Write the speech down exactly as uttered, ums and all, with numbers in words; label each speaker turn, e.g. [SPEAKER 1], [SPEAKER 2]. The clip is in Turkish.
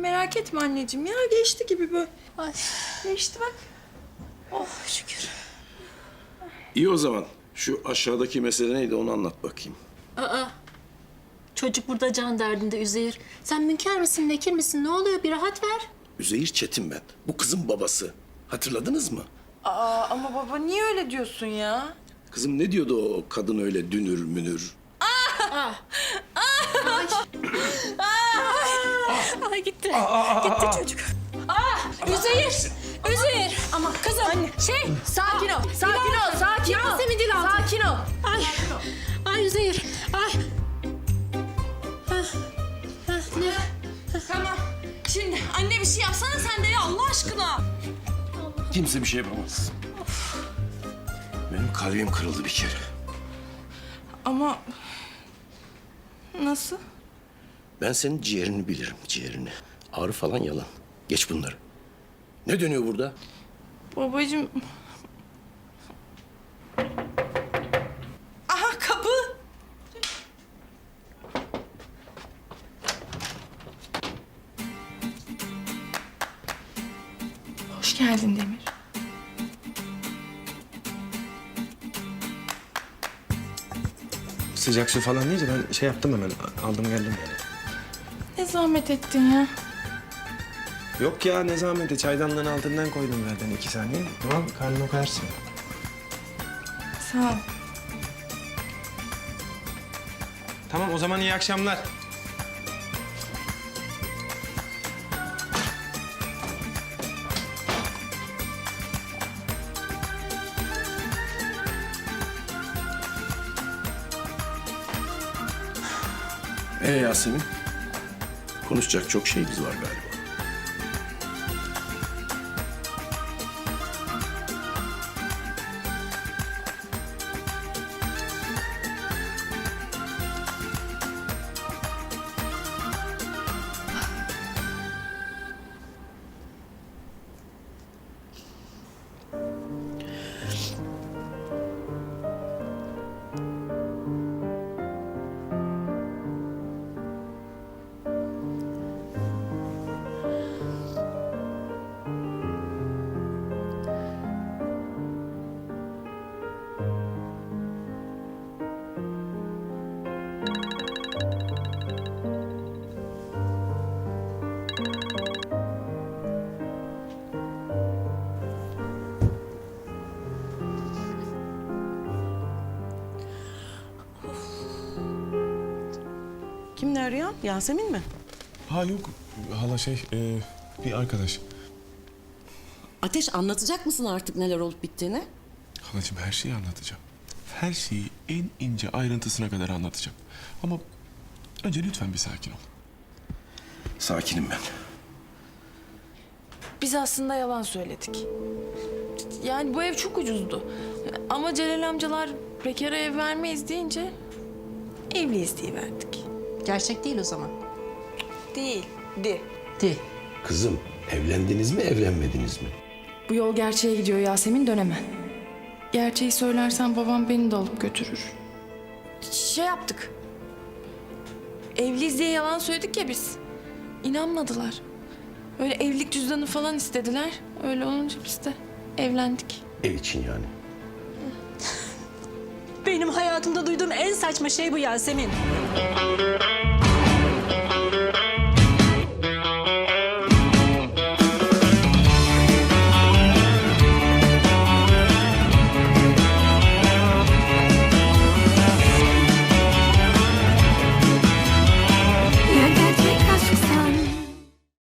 [SPEAKER 1] merak etme anneciğim ya. Geçti gibi böyle.
[SPEAKER 2] Ay.
[SPEAKER 1] Geçti bak.
[SPEAKER 2] Oh şükür.
[SPEAKER 3] İyi o zaman. Şu aşağıdaki mesele neydi onu anlat bakayım.
[SPEAKER 2] Aa. Çocuk burada can derdinde Üzeyir. Sen münker misin, nekir misin? Ne oluyor? Bir rahat ver.
[SPEAKER 3] Üzeyir Çetin ben. Bu kızın babası. Hatırladınız mı?
[SPEAKER 1] Aa ama baba niye öyle diyorsun ya?
[SPEAKER 3] Kızım ne diyordu o kadın öyle dünür münür?
[SPEAKER 2] Ay. Ay gitti. Gitti çocuk. Ah! Üzeyir! Üzeyir! Ama kızım anne. Şey,
[SPEAKER 1] Sakin ol, sakin ol, sakin ol.
[SPEAKER 2] Yasemin dil altı.
[SPEAKER 1] Sakin ol.
[SPEAKER 2] Ay. Ay Üzeyir. Ay. Hah. Hah, ne?
[SPEAKER 1] Tamam. Şimdi anne bir şey yapsana sen de ya Allah aşkına.
[SPEAKER 3] Kimse bir şey yapamaz. Benim kalbim kırıldı bir kere.
[SPEAKER 1] Ama nasıl?
[SPEAKER 3] Ben senin ciğerini bilirim, ciğerini. Ağrı falan yalan. Geç bunları. Ne dönüyor burada?
[SPEAKER 1] Babacığım. Aha kapı. Hoş geldin Demir.
[SPEAKER 4] Sıcak su falan deyince ben şey yaptım hemen. Aldım geldim yani.
[SPEAKER 1] Ne zahmet ettin ya.
[SPEAKER 4] Yok ya ne zahmeti. Çaydanlığın altından koydum zaten iki saniye. Tamam karnını koyarsın.
[SPEAKER 1] Sağ ol.
[SPEAKER 4] Tamam o zaman iyi akşamlar.
[SPEAKER 3] Ee Yasemin? Konuşacak çok şeyimiz var galiba.
[SPEAKER 5] Kim ne arıyor? Yasemin mi?
[SPEAKER 6] Ha yok hala şey e, bir arkadaş.
[SPEAKER 5] Ateş anlatacak mısın artık neler olup bittiğini?
[SPEAKER 6] Halacığım her şeyi anlatacağım. Her şeyi en ince ayrıntısına kadar anlatacağım. Ama önce lütfen bir sakin ol.
[SPEAKER 3] Sakinim ben.
[SPEAKER 1] Biz aslında yalan söyledik. Yani bu ev çok ucuzdu. Ama Celal amcalar bekara ev vermeyiz deyince evliyiz diye verdik.
[SPEAKER 2] Gerçek değil o zaman.
[SPEAKER 1] Değildi.
[SPEAKER 2] Değil.
[SPEAKER 3] Kızım evlendiniz mi evlenmediniz mi?
[SPEAKER 1] Bu yol gerçeğe gidiyor Yasemin dönemem. Gerçeği söylersen babam beni de alıp götürür. Şey yaptık. Evliyiz diye yalan söyledik ya biz. İnanmadılar. Öyle evlilik cüzdanı falan istediler. Öyle olunca biz de evlendik.
[SPEAKER 3] Ev için yani.
[SPEAKER 2] Benim hayatımda duyduğum en saçma şey bu Yasemin.